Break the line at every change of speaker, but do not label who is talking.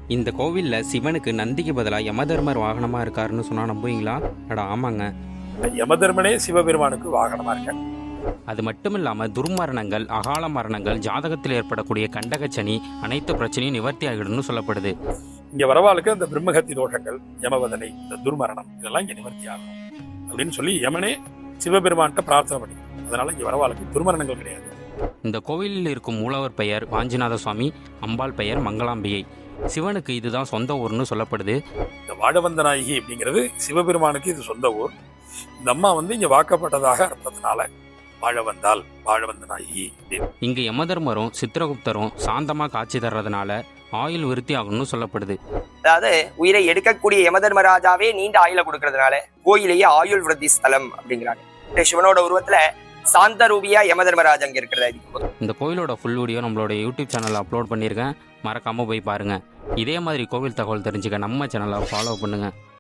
இந்த கோவிலில் சிவனுக்கு நந்திக்கு பதிலாக யமதர்மர் வாகனமாக இருக்காருன்னு சொன்னால் நம்புவீங்களா? ஆமாங்க.
யமதர்மனே சிவபெருமானுக்கு வாகனமாக இருக்கார்.
அது மட்டும் இல்லாமல் துர்மரணங்கள், அகால மரணங்கள், ஜாதகத்தில் ஏற்படக்கூடிய கண்டகச்சனி, அனைத்து பிரச்சனையும் நிவர்த்தி ஆகிடும்னு சொல்லப்படுது.
இங்கே வரவாளுக்கு அந்த பிரம்மகத்தி தோஷங்கள், யமவதனை, இந்த துர்மரணம் இதெல்லாம் இங்கே நிவர்த்தி ஆகும் அப்படின்னு சொல்லி யமனே சிவபெருமான்கிட்ட பிரார்த்தனை பண்ணி, அதனால இங்கே வரவாளுக்கு துர்மரணங்கள் கிடையாது.
இந்த கோவிலில் இருக்கும் மூலவர் பெயர் வாஞ்சிநாத சுவாமி, அம்பாள் பெயர் மங்களாம்பிகை. சிவனுக்கு இதுதான் சொந்த ஊர்னு சொல்லப்படுது.
இந்த வாழவந்தநாயகி அப்படிங்கிறது சிவபெருமானுக்கு இது சொந்த ஊர். இந்த அம்மா இங்க வாக்கப்பட்டதாக அர்த்தத்தினால வாழவந்தால் வாழவந்தநாயகி.
இங்க யமதர்மரும் சித்திரகுப்தரும் சாந்தமா காட்சி தர்றதுனால ஆயுள் விருத்தி ஆகும்னு சொல்லப்படுது.
அதாவது உயிரை எடுக்கக்கூடிய யமதர்மராஜாவே நீண்ட ஆயுள கொடுக்கறதுனால கோயிலேயே ஆயுள் விருத்தி ஸ்தலம் அப்படிங்கிறாங்க. சிவனோட உருவத்துல சாந்த ரூபியா யமதர்மராஜா அங்க இருக்கிறதா.
இந்த கோயிலோட ஃபுல் வீடியோ நம்மளோட யூடியூப் சேனல்ல அப்லோட் பண்ணியிருக்கேன், மறக்காம போய் பாருங்க. இதே மாதிரி கோவில் தகவல் தெரிஞ்சுக்க நம்ம சேனலை ஃபாலோ பண்ணுங்க.